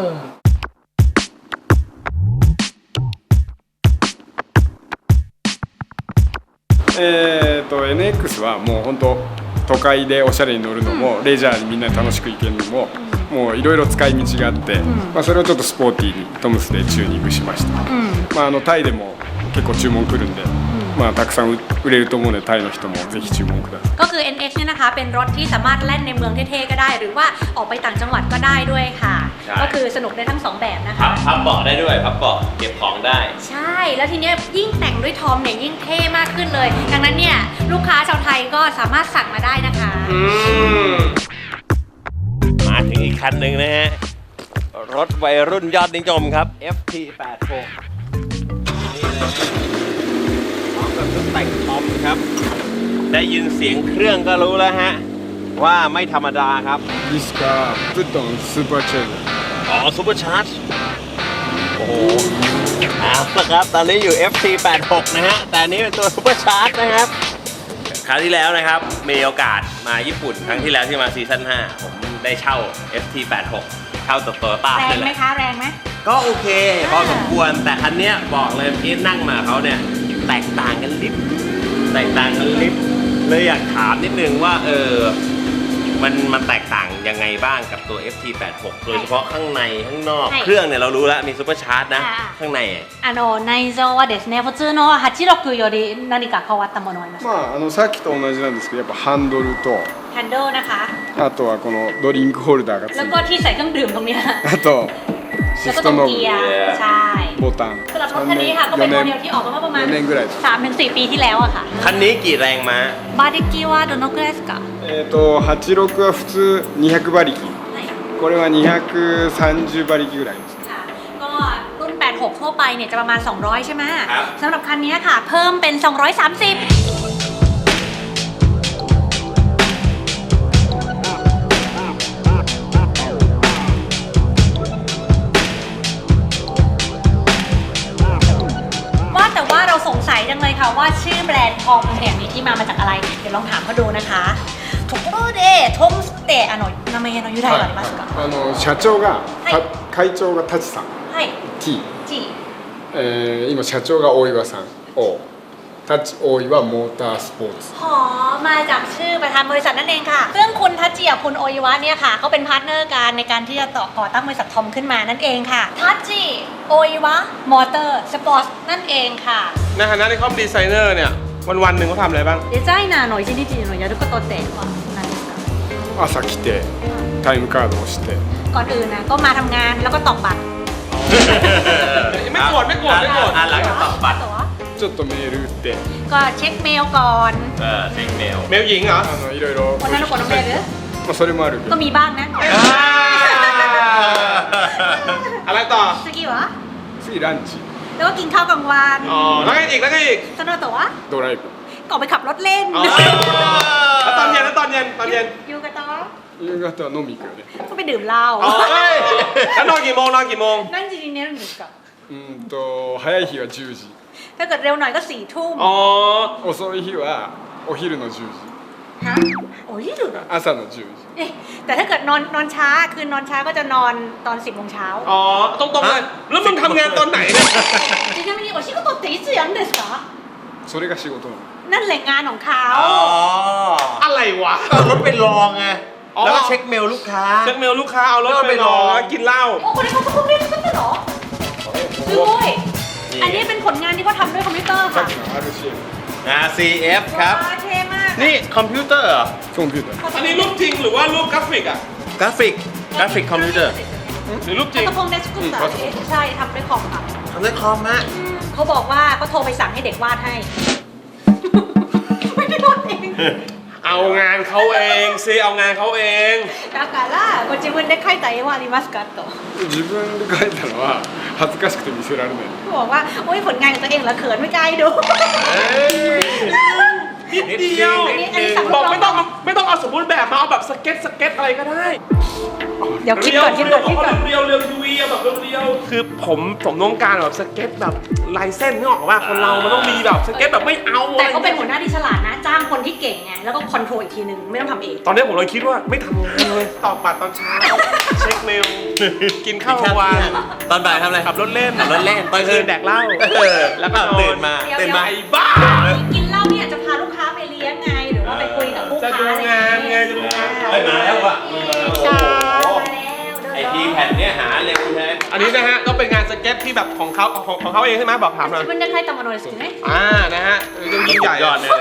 [SPEAKER 4] NX はもう本当都会でおしゃれに乗るのも、レジャーにみんなで楽しく行けるのも、もういろいろ使い道があって、それをちょっとスポーティーにトムスでチューニングしました、タイでも結構注文来るんで、たくさん売れると思うのでタイの人もぜひ注文ください
[SPEAKER 3] ก็คือ NX เนี่ยนะคะเป็นรถที่สามารถแล่นในเมืองเท่ๆก็ได้ หรือว่าออกไปต่างจังหวัดก็ได้ด้วยค่ะ ก็คือสนุกได้ทั้งสองแบบนะคะ
[SPEAKER 1] พับเบาะได้ด้วยพับเบาะเก็บของได้
[SPEAKER 3] ใช่ แล้วทีเนี้ยยิ่งแต่งด้วยทอมเนี่ยยิ่งเท่มากขึ้นเลย ดังนั้นเนี่ยลูกค้าชาวไทยก็สามารถสั่งมาได้นะคะ
[SPEAKER 1] มาถึงอีกคันหนึ่งนะฮะ รถวัยรุ่นยอดนิยมครับ FT86 นี่เลยพร้อมกับเครื่องแต่งทอมครับ ได้ยินเสียงเครื่องก็รู้แล้วฮะ ว่าไม่ธรรมดาครับ
[SPEAKER 4] ディスカープットンスーパーチェーン
[SPEAKER 1] อ๋อซูเปอร์ชาร์จโอ้โหเอาละครับ ตอนนี้อยู่ FT86 นะฮะ แต่อันนี้เป็นตัวซูเปอร์ชาร์จนะครับ คราวที่แล้วนะครับ มีโอกาสมาญี่ปุ่น ครั้งที่แล้วที่มาซีซั่น5 ผมได้เช่า FT86 เช่าตัวโตโยต้า
[SPEAKER 3] แร
[SPEAKER 1] เล
[SPEAKER 3] ง
[SPEAKER 1] ยแห
[SPEAKER 3] ไหม
[SPEAKER 1] ละ
[SPEAKER 3] คะแรงไหม
[SPEAKER 1] ก็โอเคพอสมควร แต่คันเนี้ยบอกเลยพี่นั่งมาเขาเนี่ย แตกต่างกันลิบเลยอยากถามนิดนึงว่ามันแตกต่างยังไงบ้างกับตัว FT86 โดยเฉพาะข้างในข้างนอก เครื่องเนี่ยเรารู้แล้วมีซูเปอร์ชาร์จนะ ข้างใน
[SPEAKER 3] 内臓はですね普通の86より何か変わったものありますか
[SPEAKER 4] さっきと同じなんですけどやっぱハンドルと
[SPEAKER 3] แฮนเดิลนะคะ
[SPEAKER 4] あとはこのドリンクホルダーがつい
[SPEAKER 3] แล้ว
[SPEAKER 4] て
[SPEAKER 3] ก็ที่ใส่เครื่องดื่มตรงเนี้ย
[SPEAKER 4] あとシ
[SPEAKER 3] แล้ว
[SPEAKER 4] フ
[SPEAKER 3] ก็
[SPEAKER 4] ト
[SPEAKER 3] ตรง
[SPEAKER 4] ノブ
[SPEAKER 3] เกียร์ใช่
[SPEAKER 4] ボタン
[SPEAKER 3] สำหรับรถคันนี้ค่ะก็เป็นโมเดลที่ออกมาเมื่อประมาณ
[SPEAKER 4] 4年ぐらいです
[SPEAKER 3] 3-4 ปีที่แล้วอะค่ะ
[SPEAKER 1] คันนี้กี่แรงม้า
[SPEAKER 3] บาร์ดิกิว่าโดนกเรสกะ
[SPEAKER 4] 86は普通200馬力これは230馬力ぐらいです
[SPEAKER 3] ค่ะก็รุ่น 86 ทั่วไปเนี่ยจะประมาณ 200 ใช่ไหม
[SPEAKER 1] ครับ
[SPEAKER 3] สำหรับคันนี้ค่ะ เพิ่มเป็น 230 ว่าแต่ว่าเราสงสัยจังเลยค่ะว่าชื่อแบรนด์ทอมเนี่ยมีที่มาจากอะไร เดี๋ยวลองถามเขาดูนะคะところでトムスって名前の由来はありますか、
[SPEAKER 4] 社長が、
[SPEAKER 3] はい
[SPEAKER 4] 会長がタチさん
[SPEAKER 3] はい
[SPEAKER 4] T、
[SPEAKER 3] G
[SPEAKER 4] 今社長が大岩さん O タチ大岩モータースポーツ
[SPEAKER 3] หอมาจากชื่อประธานบริษัทนั่นเองค่ะซึ่งคุณทัชจิกับคุณโออิวะเนี่ยค่ะเขาเป็นพาร์ทเนอร์กันในการที่จะก่อตั้งบริษัททอมขึ้นมานั่นเองค่ะทัชจิโออิวะมอเตอร์สปอร์ตนั่นเองค่ะ
[SPEAKER 2] ในฐานะที่เขาเป็นดีไซเนอร์เนี่ยวันๆหนึ่งเขาทำอะไรบ้าง
[SPEAKER 3] デザイナーの一日のやることって何ですか
[SPEAKER 4] 朝来てタイムカードをして
[SPEAKER 3] ก่อนอื่นนะก็มาทำงานแล้วก็ตอกบัตร
[SPEAKER 2] ไม่โกรธ
[SPEAKER 1] หลังจากตอกบัตร
[SPEAKER 3] ตั๋ว
[SPEAKER 4] ちょっとメール打って
[SPEAKER 3] ก็เช็คเมลก่อน
[SPEAKER 1] เช็คเมล
[SPEAKER 2] เมลหญิงเหรอ
[SPEAKER 4] いろいろ
[SPEAKER 3] คนนั้นคนนั้นเมลหรือ
[SPEAKER 4] それもあるけ
[SPEAKER 3] ก็
[SPEAKER 4] ど
[SPEAKER 3] มีบ้างนะ
[SPEAKER 2] อะไรต่อ
[SPEAKER 3] 次は
[SPEAKER 4] 次ランチ
[SPEAKER 3] แแล้วก็กินข้าวกลางวัน
[SPEAKER 2] อ๋อแล้วไงอีกแล้วไงอีก
[SPEAKER 3] สนุกแต่ว่า
[SPEAKER 4] ドライブ
[SPEAKER 3] ก็ออกไปขับรถเล่น
[SPEAKER 2] อ๋อแล้วตอนเย็น
[SPEAKER 3] อยู่กับต่อ
[SPEAKER 4] 夕方は飲み行くよね
[SPEAKER 3] ก็ไปดื่มเหล้า
[SPEAKER 2] อ๋อเอ้ยแล้วนอนกี่โมง
[SPEAKER 3] นั่งจีนเนี่ยหนึ่งกับ
[SPEAKER 4] 早い日は10時
[SPEAKER 3] ถ้าเกิดเร็วหน่อยก็4 ทุ่ม
[SPEAKER 2] อ๋อ
[SPEAKER 4] 遅い日はお昼の10時
[SPEAKER 3] ฮะโอ้ยดูนะ
[SPEAKER 4] 朝の10時
[SPEAKER 3] เอ๊ะแต่ถ้าเกิดนอนช้าคือนอนช้าก็จะนอนตอน10 โมงเช้า
[SPEAKER 2] อ๋อตรงๆเลยแล้วมึงทำงานตอนไหนเนี่ย
[SPEAKER 3] ちなみにお仕事っていつやるんですか
[SPEAKER 4] それが仕事なの
[SPEAKER 3] นั่นแหล่งงานของเขา
[SPEAKER 1] อ๋อ
[SPEAKER 2] อะไรวะ
[SPEAKER 1] เอารถไปลองไง
[SPEAKER 2] อ๋อ
[SPEAKER 1] แล้วก็เช็คเมลลูกค้า
[SPEAKER 2] เช็คเมลลูกค้าเอารถไปรอกินเหล้า
[SPEAKER 3] โอ้คนนี้เขาก็เพิ่งเรียนรู้กันเหรอすごいอันนี้เป็นผลงานที่เขาทำด้วยคอมพิวเตอร์
[SPEAKER 4] さ
[SPEAKER 3] ค่ะ
[SPEAKER 4] っきの RCF
[SPEAKER 1] CF ครับ
[SPEAKER 3] ว้าวเท่มาก
[SPEAKER 1] นี่คอมพิวเตอร์เหรอ
[SPEAKER 4] コンピューター
[SPEAKER 2] อันนี้รูปจริงหรือว่ารูปกราฟิกอ่ะ
[SPEAKER 1] กราฟิกคอมพิวเตอร์
[SPEAKER 2] หรือรูปจริง
[SPEAKER 3] กระพงเดสกุตะใช่ทำด้วยคอมค่ะ
[SPEAKER 1] ทำด้วยคอมฮะ
[SPEAKER 3] เขาบอกว่าเขาโทรไปสั่งให้เด็กวาดให้ ไม่ได้วาดเอง
[SPEAKER 2] เอางานเขาเองซิเอางานเขาเอง
[SPEAKER 3] だからご自分で描いた絵はありますかと
[SPEAKER 4] 自分で書いたのは恥ずかしくて見せられない
[SPEAKER 3] เขาบอกว่าโอ้ยผลงานของตัวเองเหรอเขินไม่กล้าให้ดู
[SPEAKER 2] นิดเดียว
[SPEAKER 3] อันนี้สั่ง
[SPEAKER 2] บอกไม่ต้องเอาสมบูรณ์แบบมาเอาแบบสเก็ตอะไรก็ได้
[SPEAKER 3] เดี๋ยวคิดก่อน
[SPEAKER 2] เรียวทีวีแบบเรียวคือผมต้องการแบบสเก็ตแบบลายเส้นนึกออกว่าคนเรามันต้องมีแบบสเก็ตแบบไม่เอา
[SPEAKER 3] แต่เขาเป็นหัวหน้าที่ฉลาดนะ จ้างคนที่เก่งไงแล้วก็คอนโทรลอีกทีนึงไม่ต้องทำเอง
[SPEAKER 2] ตอนนี้ผมเลยคิดว่าไม่ทำงานเลยตอบบัตรตอนเช้าเช็คเมลกินข้าววัน
[SPEAKER 1] ตอนบ่ายทำอะไร
[SPEAKER 2] ขับรถเล่น
[SPEAKER 1] ขับรถเล่น
[SPEAKER 2] ตอนคืนแดกเหล้า
[SPEAKER 1] แล้วก็ตื่นมา
[SPEAKER 3] เดี๋ยว
[SPEAKER 2] ไอ้บ้า
[SPEAKER 3] กินเหล้าเนี่ยจะพาลูกค้าไปเลี้ยงไงหรือว่าไปคุยกับลูก
[SPEAKER 2] จะ
[SPEAKER 3] ค้า
[SPEAKER 2] ดูงานไงจะดูงาน
[SPEAKER 1] เฮ้ยมาแล้วว่ะ
[SPEAKER 3] จ้า
[SPEAKER 1] โอ้โห
[SPEAKER 3] มาแล้ว
[SPEAKER 1] ไอทีแผ่นเนี้ยหาเร็วใช่ไหม
[SPEAKER 2] อันนี้นะฮะก็เป็นงานสเก็ตที่แบบของเขาเองใช่ไหมบอกถามหน่อย
[SPEAKER 3] 自分で描いたものですよね
[SPEAKER 2] นะฮะยิ่งใหญ่
[SPEAKER 1] ยอดเลย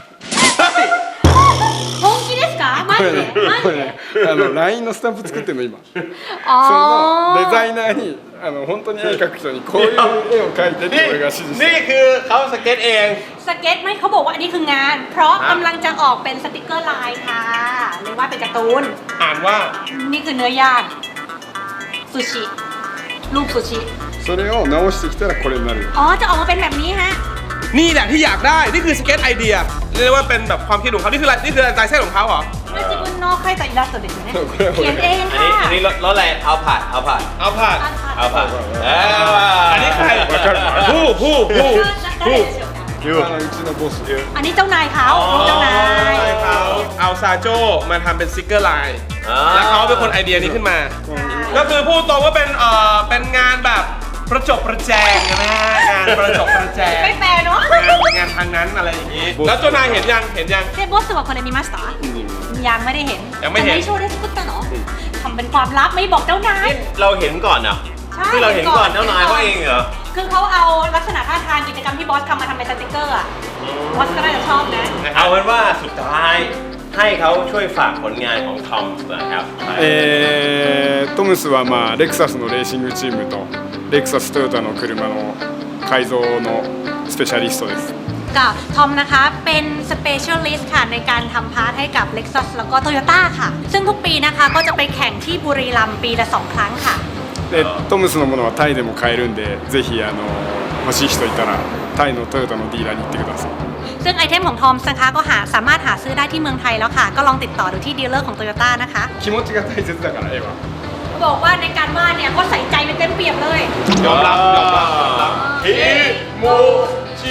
[SPEAKER 3] 本気ですかマジで
[SPEAKER 4] これね
[SPEAKER 3] マジで
[SPEAKER 4] これねLINE のスタンプ作ってんの今
[SPEAKER 3] あ
[SPEAKER 4] その
[SPEAKER 3] ー
[SPEAKER 4] デザイナーに本当に絵描く人にこういう絵を描いてって俺が指示して
[SPEAKER 1] นี่คือเขาสเก็ตเอง
[SPEAKER 3] สเก็ตไม่เขาบอกว่าอันนี้คืองาน เพราะกำลังจะออกเป็นสติกเกอร์ลายค่ะหรือว่าเป็นการ์ตูน
[SPEAKER 2] อ่านว่า
[SPEAKER 3] นี่คือเนื้อย่างซูชิรูปซูชิ
[SPEAKER 4] それを直してきたらこれになる
[SPEAKER 3] อ๋อจะออกมาเป็นแบบนี้ฮะ
[SPEAKER 2] นี่แหละที่อยากได้นี่คือสเก็ตไอเดียเรียกว่าเป็นแบบความคิดของเขานี่คือลายเส้นของเขาเหรอ
[SPEAKER 3] これ自分の描いたイラストですよね
[SPEAKER 4] これこれ
[SPEAKER 3] เขียนเอง
[SPEAKER 1] อัน
[SPEAKER 3] ค่ะ
[SPEAKER 1] นี้รถอะไรเอาผ่าน
[SPEAKER 2] เอาผ่าน
[SPEAKER 1] เอาผ่าน
[SPEAKER 2] อันนี้ใครผู้
[SPEAKER 3] 誰でしょうか
[SPEAKER 4] うちのボス
[SPEAKER 3] อันนี้เจ้านายเขาเจ้านาย
[SPEAKER 2] เขาเอาซาโจมาทำเป็นสติกเกอร์ลายแล้วเขาเป็นคนไอเดียนี้ขึ้นมา ก็คือพูดตรงว่าเป็นงานแบบประจบประแจงนะฮะงานประจบประแจง
[SPEAKER 3] ไม่แปลเนาะ
[SPEAKER 2] งานทางนั้นอะไรอย่างนี้แล้วเจ้านายเห็นยัง
[SPEAKER 3] เซบอสว่าคนนี้มีมาสเตอร์ยังไม่ได้เห็น
[SPEAKER 2] ยังไม่เห็น
[SPEAKER 3] โชว์ได้สกุตเตอร์เนาะทำเป็นความลับไม่บอกเจ้านาย
[SPEAKER 1] เราเห็นก่อนเหรอ
[SPEAKER 3] ใช่
[SPEAKER 1] ที่เราเห็นก่อนเจ้านายเขาเองเหรอ
[SPEAKER 3] คือเขาเอาลักษณะท่าทางกิจกรรมที่บอสทำมาทำเป็นสติกเกอร์อะบอสก็น่าจะชอบนะ
[SPEAKER 1] เอาเป็นว่าสุดท้ายให้เขาช่วยฝากผลงานของทอมนะครับ
[SPEAKER 4] トムスはレクサスのレーシングチームとレクサストヨタの車の改造のスペシャリストです
[SPEAKER 3] กับทอมนะคะเป็นสเปเชียลิสต์ค่ะในการทำพาร์ทให้กับ Lexus แล้วก็ Toyota ค่ะ ซึ่งทุกปีนะคะก็จะไปแข่งที่บุรีรัมย์ปีละ 2 ครั้งค่ะ
[SPEAKER 4] でトムスのものはタイでも買えるんでぜひ欲しい人いたらタイのトヨタのディーラーに行ってください
[SPEAKER 3] ซึ่งไอเทมของทอมนะคะก็สามารถหาซื้อได้ที่เมืองไทยแล้วค่ะ ก็ลองติดต่อดูที่ดีลเลอร์ของ Toyota นะคะ
[SPEAKER 4] 気持ちが大切だから絵は
[SPEAKER 3] บอกว่าในการวาดเนี่ยก็ใส่ใจเป็นเต็มเปี่ยมเลย
[SPEAKER 2] ยอมรับ
[SPEAKER 1] ฮิโมจิ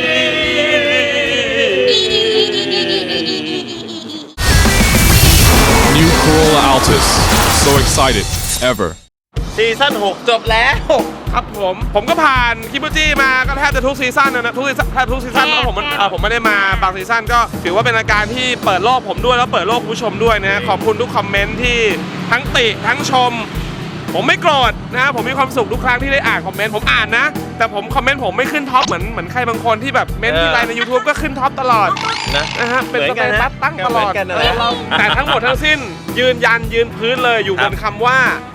[SPEAKER 5] New Corolla Altis. So excited. Ever.
[SPEAKER 1] ซีซั่น6จบแล้ว
[SPEAKER 2] ครับผมก็ผ่านคิบูจิมาก็แทบจะทุกซีซั่นนะทุกซีซั่นเพราะผมไม่ได้มาบางซีซั่นก็ถือว่าเป็นรายการที่เปิดโลกผมด้วยแล้วเปิดโลกคุณผู้ชมด้วยนะขอบคุณทุกคอมเมนต์ที่ทั้งติทั้งชม ผมไม่โกรธนะผมมีความสุขทุกครั้งที่ได้อ่านคอมเมนต์ผมอ่านนะ แต่คอมเมนต์ผมไม่ขึ้นท็อปเหมือนใครบางคนที่แบบเมนต์ที่ไลน์ใน YouTube ก็ขึ้นท็อปตลอด นะฮะเป็นสเตตัสตั้งตลอด
[SPEAKER 1] เหมือนกันนะ
[SPEAKER 2] แต่ทั้งหมดทั้งสิ้นยืนพื้นเลยอยู่บนคำว่า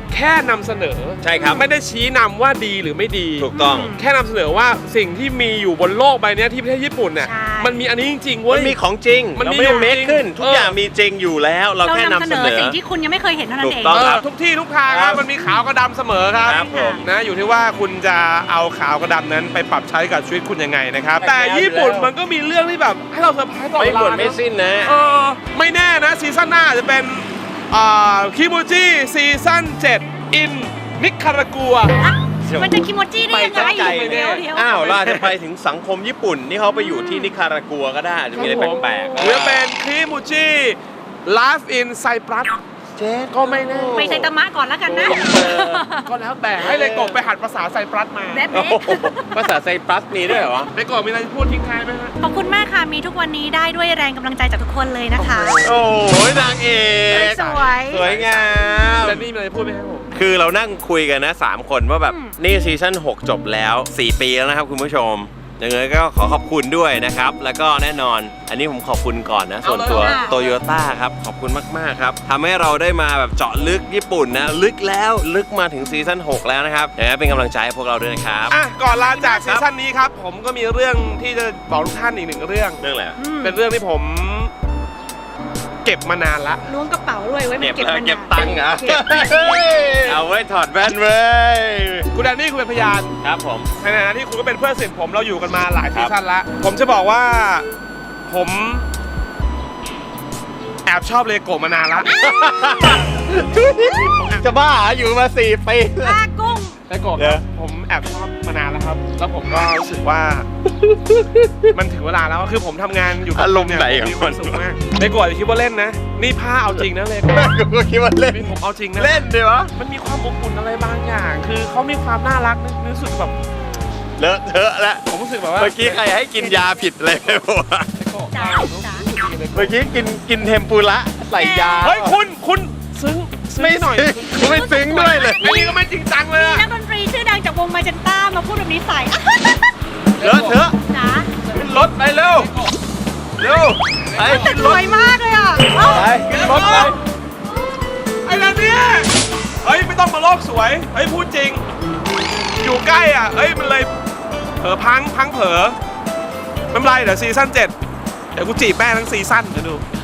[SPEAKER 2] แค่นำเสนอ
[SPEAKER 1] ใช่ครับ
[SPEAKER 2] ไม่ได้ชี้นำว่าดีหรือไม่ดี
[SPEAKER 1] ถูกต้อง
[SPEAKER 2] แค่นำเสนอว่าสิ่งที่มีอยู่บนโลกใบเนี้ยที่ประเทศญี่ปุ่นเนี่ย
[SPEAKER 3] ใช่
[SPEAKER 2] มันมีอันนี้จริงๆเว้
[SPEAKER 1] มั
[SPEAKER 2] ย
[SPEAKER 1] นมีของจริง
[SPEAKER 2] มัน
[SPEAKER 1] เรา
[SPEAKER 2] มี
[SPEAKER 1] ไม่
[SPEAKER 2] อยู่
[SPEAKER 1] ได้เมค
[SPEAKER 2] จริง
[SPEAKER 1] ขึ้น ทุก
[SPEAKER 2] เออ
[SPEAKER 1] อ
[SPEAKER 2] อ
[SPEAKER 1] ย่างมีจริงอยู่แล้ว เรา
[SPEAKER 3] เรา
[SPEAKER 1] แค่นำ
[SPEAKER 3] นำเส
[SPEAKER 1] เส
[SPEAKER 3] น
[SPEAKER 1] น
[SPEAKER 3] อ
[SPEAKER 1] อ
[SPEAKER 3] สิ่งที่คุณยังไม่เคยเห็นเท่านั้นเอง
[SPEAKER 1] ถูกต้อง ครับ
[SPEAKER 2] ทุกที่ทุกทางครับมันมีขาวกับดำเสมอครับ
[SPEAKER 1] ครับผม
[SPEAKER 2] นะอยู่ที่ว่าคุณจะเอาขาวกับดำนั้นไปปรับใช้กับชีวิตคุณยังไงนะครับ
[SPEAKER 1] แต่
[SPEAKER 2] แต่ญี่ปุ่น
[SPEAKER 1] แล้ว
[SPEAKER 2] มันก็มีเรื่องที่แบบให้เราเซอร์ไพรส์ตลอด
[SPEAKER 1] ไม่
[SPEAKER 2] เว
[SPEAKER 1] หมด
[SPEAKER 2] ลา
[SPEAKER 1] ไม่
[SPEAKER 2] นะ
[SPEAKER 1] สิ้นนะ
[SPEAKER 2] ไม่แน่นะซีซั่นหน้าอาจจะเป็นคิโมจิซีซั่น7อินนิคารากัว
[SPEAKER 3] มันจะคิโมจิได้ยังไง
[SPEAKER 1] ไปไกล
[SPEAKER 3] เดี๋ยว
[SPEAKER 1] อ้าวเราอาจจะไปถึงสังคมญี่ปุ่นนี่เขาไปอยู่ที่นิคารากัวก็ได้อาจจะมีอะไรแปลกๆ
[SPEAKER 2] หรือเป็นคิโมจิไลฟ์อินไซปรัส
[SPEAKER 1] เจ๊
[SPEAKER 2] ก็ไม่แน่
[SPEAKER 3] ไปไซตามะก่อนแล้วกันนะ
[SPEAKER 2] ก็แล้วแต่ให้เลโกะไปหัดภาษาไซปรัสมา
[SPEAKER 3] แบบ
[SPEAKER 1] โอ้
[SPEAKER 3] นี้
[SPEAKER 1] โหภาษาไซปรัสมีด้วยเหรอวะ
[SPEAKER 2] เลโกะมีอะไรจะพูดทิ้งท้ายไหมฮะ
[SPEAKER 3] ขอบคุณมากค่ะ มีทุกวันนี้ได้ด้วยแรงกำลังใจจากทุกคนเลยนะคะ
[SPEAKER 1] โอ้ยนางเอก
[SPEAKER 3] สวย
[SPEAKER 1] สวยงาม
[SPEAKER 2] แล้วนี่มีอะไรจะพูดไหมครับผม
[SPEAKER 1] คือเรานั่งคุยกันนะ 3 คนว่าแบบนี่ซีซั่น6 จบแล้ว 4 ปีแล้วนะครับคุณผู้ชมยังไงก็ขอขอบคุณด้วยนะครับ แล้วก็แน่นอนอันนี้ผมขอบคุณก่อนนะ ส่วนตัว
[SPEAKER 3] เอาเลยค่ะ
[SPEAKER 1] โตโยต้าครับ ขอบคุณมากๆครับทำให้เราได้มาแบบเจาะลึกญี่ปุ่นนะ ลึกแล้วลึกมาถึงซีซั่น6 แล้วนะครับยังไงเป็นกำลังใจให้พวกเราด้วยนะครับ
[SPEAKER 2] อ่ะก่อนลาจากซีซั่นนี้ครับ ผมก็มีเรื่องที่จะบอกทุกท่านอีกหนึ่งเรื่อง
[SPEAKER 1] เรื่องอะไรอะ
[SPEAKER 2] เป็นเรื่องที่ผมเก็บมานานละ
[SPEAKER 3] ล้วงกระเป๋าด้วยไว้มัน
[SPEAKER 1] เก็บ
[SPEAKER 3] เก็บ
[SPEAKER 1] แล้ว
[SPEAKER 3] มัน
[SPEAKER 1] เก็บตังค์เหรอ
[SPEAKER 3] เก็บ
[SPEAKER 1] เอาไว้ถอดแว่นเว้ย
[SPEAKER 2] คุณแดนนี่คุณเป็นพยาน
[SPEAKER 1] ครับผม
[SPEAKER 2] ในฐานะที่คุณก็เป็นเพื่อนสนิทผมเราอยู่กันมาหลายซีซั่นละผมจะบอกว่าผมแอบชอบเลโกะมานานละ
[SPEAKER 1] จะบ้าอยู่มา4 ปี
[SPEAKER 3] ปลากุ้ง
[SPEAKER 2] เลโกะ
[SPEAKER 1] เดี๋
[SPEAKER 2] ค
[SPEAKER 1] ยว
[SPEAKER 2] รับผมแอบชอบมานานแล้วครับ แล้วผมก็รู้สึกว่า มันถึงเวลาแล้วคือผมทำงานอยู่กับ
[SPEAKER 1] อารมณ์ไหน
[SPEAKER 2] ผมมี
[SPEAKER 1] ของ
[SPEAKER 2] ความสุขมากเลโกะอย่าคิดว่าเล่นนะนี่ผ้าเอาจริงนะเลโกะ
[SPEAKER 1] กูก็คิดว่าเล่น
[SPEAKER 2] นี่ผมเอาจริงนะ
[SPEAKER 1] เล่นดิวะ
[SPEAKER 2] มันมีความอบอุ่นอะไรบางอย่าง คือเขามีความน่ารักนะรู้สึกแบบ
[SPEAKER 1] เลอะเทอะแล้ว
[SPEAKER 2] ผมรู้สึกแบบว่า
[SPEAKER 1] เมื่อกี้ใครให้กินยาผิดอะไรไปวะ
[SPEAKER 2] เลโกะ
[SPEAKER 3] จ๋า
[SPEAKER 2] รู้
[SPEAKER 3] จ๋า
[SPEAKER 2] สึกดีเลย
[SPEAKER 1] เมื่อกี้กินเทมปุระใส่ยา
[SPEAKER 2] เฮ้ยคุณซึ้ง
[SPEAKER 1] ไม่
[SPEAKER 2] หน่อย
[SPEAKER 1] กูไม่ซึ้งด้วยเลย
[SPEAKER 2] ไอ้นี่ก็ไม่จริงจังเลย
[SPEAKER 3] มี
[SPEAKER 2] อะ
[SPEAKER 3] นักดนตรีชื่อดังจากวงมาเจนต้ามาพูดแบบนี้ใส่
[SPEAKER 1] เลอะเทอะ
[SPEAKER 3] จ๋า
[SPEAKER 1] ขึ้นรถไปเร็วเร็วไป
[SPEAKER 3] แต่
[SPEAKER 1] ขึ้น
[SPEAKER 3] ส
[SPEAKER 1] รถ
[SPEAKER 3] วยมากเลยอ่ะเอ้า
[SPEAKER 1] ไปขึ้นรถไป
[SPEAKER 2] ไอ้นั่นเนี่ยเฮ้ยไม่ต้องมาโลกสวยเฮ้ยพูดจริง อยู่ใกล้อ่ะเฮ้ยมันเลยเผลอพังเผลอไม่เป็นไรเดี๋ยวซีซั่น7เดี๋ยวกูจีบแม่ทั้งซีซั่นเดี๋ยวดู